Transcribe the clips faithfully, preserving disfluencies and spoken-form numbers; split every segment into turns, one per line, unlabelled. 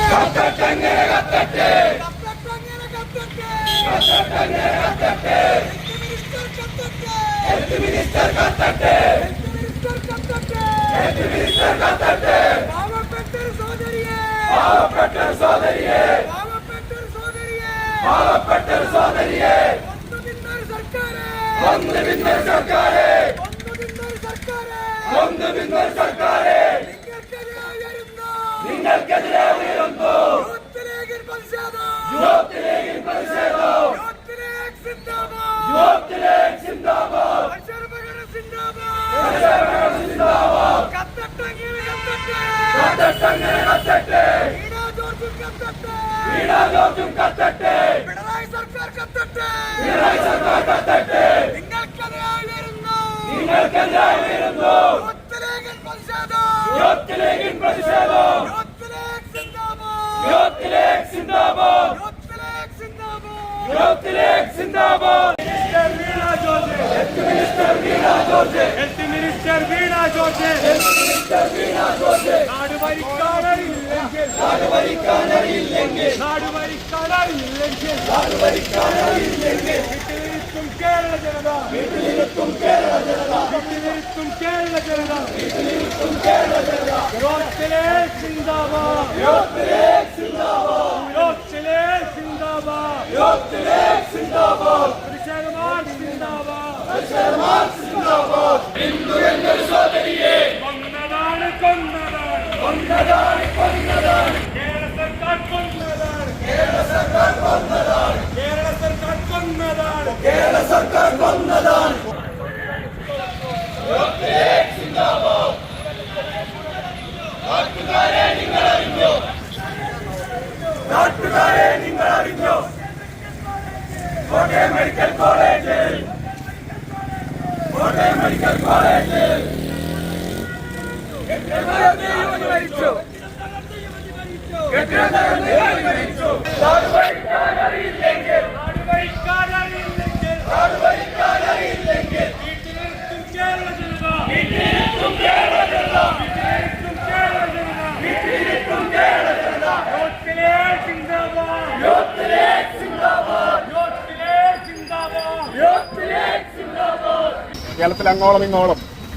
കേരളത്തിൽ അങ്ങോളം ഇങ്ങോളം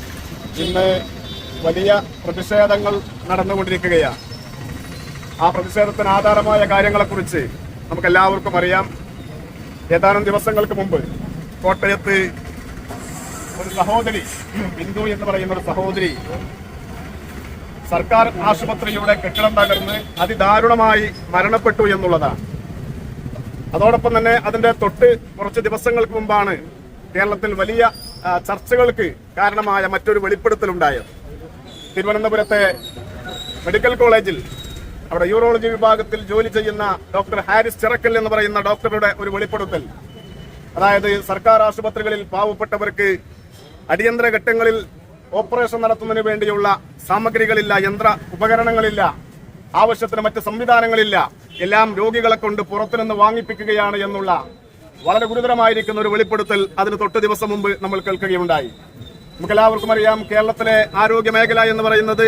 ഇന്ന് വലിയ പ്രതിഷേധങ്ങൾ നടന്നുകൊണ്ടിരിക്കുകയാണ്. ആ പ്രതിഷേധത്തിന് ആധാരമായ കാര്യങ്ങളെക്കുറിച്ച് നമുക്ക് എല്ലാവർക്കും അറിയാം. ഏതാനും ദിവസങ്ങൾക്ക് മുമ്പ് കോട്ടയത്ത് ഒരു സഹോദരി, ബിന്ദു എന്ന് പറയുന്ന ഒരു സഹോദരി സർക്കാർ ആശുപത്രിയുടെ കെട്ടിടം തകർന്ന് അതിദാരുണമായി മരണപ്പെട്ടു എന്നുള്ളതാണ്. അതോടൊപ്പം തന്നെ അതിന്റെ തൊട്ട് കുറച്ച് ദിവസങ്ങൾക്ക് മുമ്പാണ് കേരളത്തിൽ വലിയ ചർച്ചകൾക്ക് കാരണമായ മറ്റൊരു വെളിപ്പെടുത്തലുണ്ടായത്. തിരുവനന്തപുരത്തെ മെഡിക്കൽ കോളേജിൽ അവിടെ യൂറോളജി വിഭാഗത്തിൽ ജോലി ചെയ്യുന്ന ഡോക്ടർ ഹാരിസ് ചിറക്കൽ എന്ന് പറയുന്ന ഡോക്ടറുടെ ഒരു വെളിപ്പെടുത്തൽ. അതായത് സർക്കാർ ആശുപത്രികളിൽ പാവപ്പെട്ടവർക്ക് അടിയന്തര ഘട്ടങ്ങളിൽ ഓപ്പറേഷൻ നടത്തുന്നതിന് വേണ്ടിയുള്ള സാമഗ്രികളില്ല, യന്ത്ര ഉപകരണങ്ങളില്ല, ആവശ്യത്തിന് മറ്റ് സംവിധാനങ്ങളില്ല, എല്ലാം രോഗികളെ കൊണ്ട് പുറത്തുനിന്ന് വാങ്ങിപ്പിക്കുകയാണ് എന്നുള്ള വളരെ ഗുരുതരമായിരിക്കുന്ന ഒരു വെളിപ്പെടുത്തൽ അതിന് തൊട്ട് ദിവസം മുമ്പ് നമ്മൾ കേൾക്കുകയുണ്ടായി. നമുക്കെല്ലാവർക്കും അറിയാം, കേരളത്തിലെ ആരോഗ്യ മേഖല എന്ന് പറയുന്നത്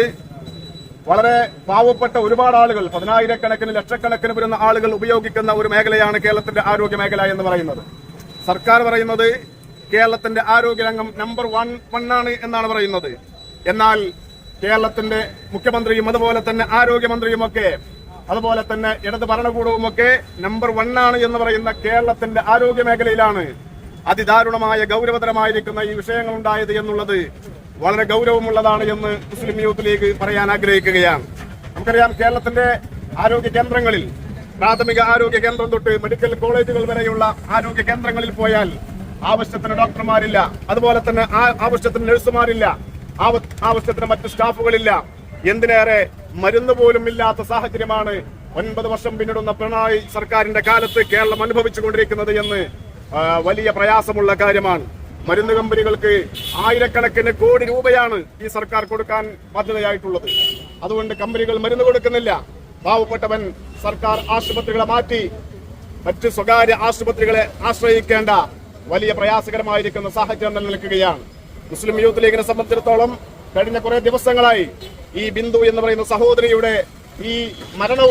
വളരെ പാവപ്പെട്ട ഒരുപാട് ആളുകൾ, പതിനായിരക്കണക്കിന് ലക്ഷക്കണക്കിന് വരുന്ന ആളുകൾ ഉപയോഗിക്കുന്ന ഒരു മേഖലയാണ് കേരളത്തിന്റെ ആരോഗ്യ മേഖല എന്ന് പറയുന്നത്. സർക്കാർ പറയുന്നത് കേരളത്തിന്റെ ആരോഗ്യരംഗം നമ്പർ വൺ വണ്ണാണ് എന്നാണ് പറയുന്നത്. എന്നാൽ കേരളത്തിന്റെ മുഖ്യമന്ത്രിയും അതുപോലെ തന്നെ ആരോഗ്യമന്ത്രിയുമൊക്കെ അതുപോലെ തന്നെ ഇടത് ഭരണകൂടവുമൊക്കെ നമ്പർ വണ്ണാണ് എന്ന് പറയുന്ന കേരളത്തിന്റെ ആരോഗ്യ മേഖലയിലാണ് അതിദാരുണമായ ഗൗരവതരമായിരിക്കുന്ന ഈ വിഷയങ്ങൾ ഉണ്ടായത് എന്നുള്ളത് വളരെ ഗൗരവമുള്ളതാണ് എന്ന് മുസ്ലിം യൂത്ത് ലീഗ് പറയാൻ ആഗ്രഹിക്കുകയാണ്. നമുക്കറിയാം, കേരളത്തിന്റെ ആരോഗ്യ കേന്ദ്രങ്ങളിൽ, പ്രാഥമിക ആരോഗ്യ കേന്ദ്രം തൊട്ട് മെഡിക്കൽ കോളേജുകൾ വരെയുള്ള ആരോഗ്യ കേന്ദ്രങ്ങളിൽ പോയാൽ ആവശ്യത്തിന് ഡോക്ടർമാരില്ല, അതുപോലെ തന്നെ ആവശ്യത്തിന് നഴ്സുമാരില്ല, ആവശ്യത്തിന് മറ്റ് സ്റ്റാഫുകളില്ല. എന്തിനേറെ മരുന്ന് പോലും ഇല്ലാത്ത സാഹചര്യമാണ് ഒൻപത് വർഷം പിന്നിടുന്ന പിണറായി സർക്കാരിന്റെ കാലത്ത് കേരളം അനുഭവിച്ചുകൊണ്ടിരിക്കുന്നത് എന്ന് വലിയ പ്രയാസമുള്ള കാര്യമാണ്. മരുന്ന് കമ്പനികൾക്ക് ആയിരക്കണക്കിന് കോടി രൂപയാണ് ഈ സർക്കാർ കൊടുക്കാൻ ബാധ്യതയായിട്ടുള്ളത്. അതുകൊണ്ട് കമ്പനികൾ മരുന്ന് കൊടുക്കുന്നില്ല. പാവപ്പെട്ടവൻ സർക്കാർ ആശുപത്രികളെ മാറ്റി മറ്റ് സ്വകാര്യ ആശുപത്രികളെ ആശ്രയിക്കേണ്ട വലിയ പ്രയാസകരമായിരിക്കുന്ന സാഹചര്യം നിലനിൽക്കുകയാണ്. മുസ്ലിം യൂത്ത് ലീഗിനെ സംബന്ധിച്ചിടത്തോളം കഴിഞ്ഞ കുറെ ദിവസങ്ങളായി ഈ ബിന്ദു എന്ന് പറയുന്ന സഹോദരിയുടെ ഈ മരണവും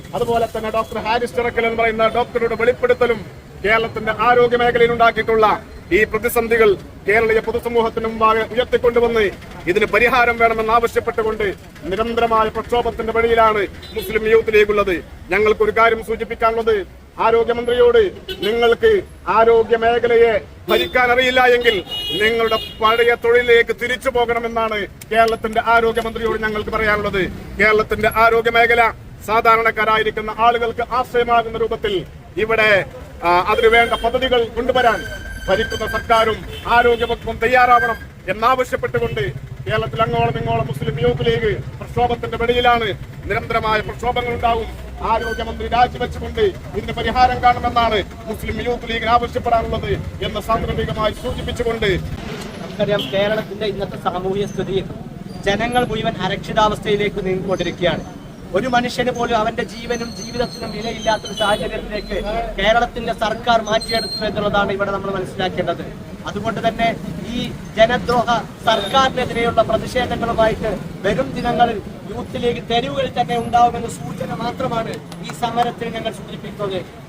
അതുപോലെ തന്നെ ഡോക്ടർ ഹാരിസ് ചിറക്കൽ എന്ന് പറയുന്ന ഡോക്ടറുടെ വെളിപ്പെടുത്തലും കേരളത്തിന്റെ ആരോഗ്യ മേഖലയിൽ ഉണ്ടാക്കിയിട്ടുള്ള ഈ പ്രതിസന്ധികൾ കേരളീയ പൊതുസമൂഹത്തിന് മുമ്പാകെ ഉയർത്തിക്കൊണ്ടുവന്ന് ഇതിന് പരിഹാരം വേണമെന്ന് ആവശ്യപ്പെട്ടുകൊണ്ട് നിരന്തരമായ പ്രക്ഷോഭത്തിന്റെ വഴിയിലാണ് മുസ്ലിം യൂത്ത് ലീഗ് ഉള്ളത്. ഞങ്ങൾക്ക് ഒരു കാര്യം സൂചിപ്പിക്കാനുള്ളത്, ആരോഗ്യമന്ത്രിയോട് നിങ്ങൾക്ക് ആരോഗ്യ മേഖലയെ ഭരിക്കാൻ അറിയില്ല എങ്കിൽ നിങ്ങളുടെ പഴയ തൊഴിലിലേക്ക് തിരിച്ചു പോകണമെന്നാണ് കേരളത്തിന്റെ ആരോഗ്യമന്ത്രിയോട് ഞങ്ങൾക്ക് പറയാനുള്ളത്. കേരളത്തിന്റെ ആരോഗ്യ മേഖല സാധാരണക്കാരായിരിക്കുന്ന ആളുകൾക്ക് ആശ്രയമാകുന്ന രൂപത്തിൽ ഇവിടെ അതിനുവേണ്ട പദ്ധതികൾ കൊണ്ടുവരാൻ ഭരിക്കുന്ന സർക്കാരും ആരോഗ്യവകുപ്പും തയ്യാറാവണം എന്നാവശ്യപ്പെട്ടുകൊണ്ട് കേരളത്തിൽ അങ്ങോളം ഇങ്ങോളം മുസ്ലിം യൂത്ത് ലീഗ് പ്രക്ഷോഭത്തിന്റെ വെളിയിലാണ്. നിരന്തരമായ പ്രക്ഷോഭങ്ങൾ ഉണ്ടാവും. ആരോഗ്യമന്ത്രി രാജിവെച്ചുകൊണ്ട് ഇതിന് പരിഹാരം കാണുമെന്നാണ് മുസ്ലിം യൂത്ത് ലീഗിന് ആവശ്യപ്പെടാനുള്ളത് എന്ന് സാന്ദർഭികമായി സൂചിപ്പിച്ചുകൊണ്ട്,
നമുക്കറിയാം കേരളത്തിന്റെ ഇന്നത്തെ സാമൂഹ്യ സ്ഥിതിയിൽ ജനങ്ങൾ മുഴുവൻ അരക്ഷിതാവസ്ഥയിലേക്ക് നീങ്ങിക്കൊണ്ടിരിക്കുകയാണ്. ഒരു മനുഷ്യന് പോലും അവന്റെ ജീവനും ജീവിതത്തിനും വിലയില്ലാത്തൊരു സാഹചര്യത്തിലേക്ക് കേരളത്തിന്റെ സർക്കാർ മാറ്റിയെടുത്തു എന്നുള്ളതാണ് ഇവിടെ നമ്മൾ മനസ്സിലാക്കേണ്ടത്. അതുകൊണ്ട് തന്നെ ഈ ജനദ്രോഹ സർക്കാരിനെതിരെയുള്ള പ്രതിഷേധങ്ങളുമായിട്ട് വരും ദിനങ്ങളിൽ യൂത്ത് ലീഗ് തെരുവുകളിൽ തന്നെ ഉണ്ടാവുമെന്ന സൂചന മാത്രമാണ് ഈ സമരത്തിൽ ഞങ്ങൾ സൂചിപ്പിക്കുന്നത്.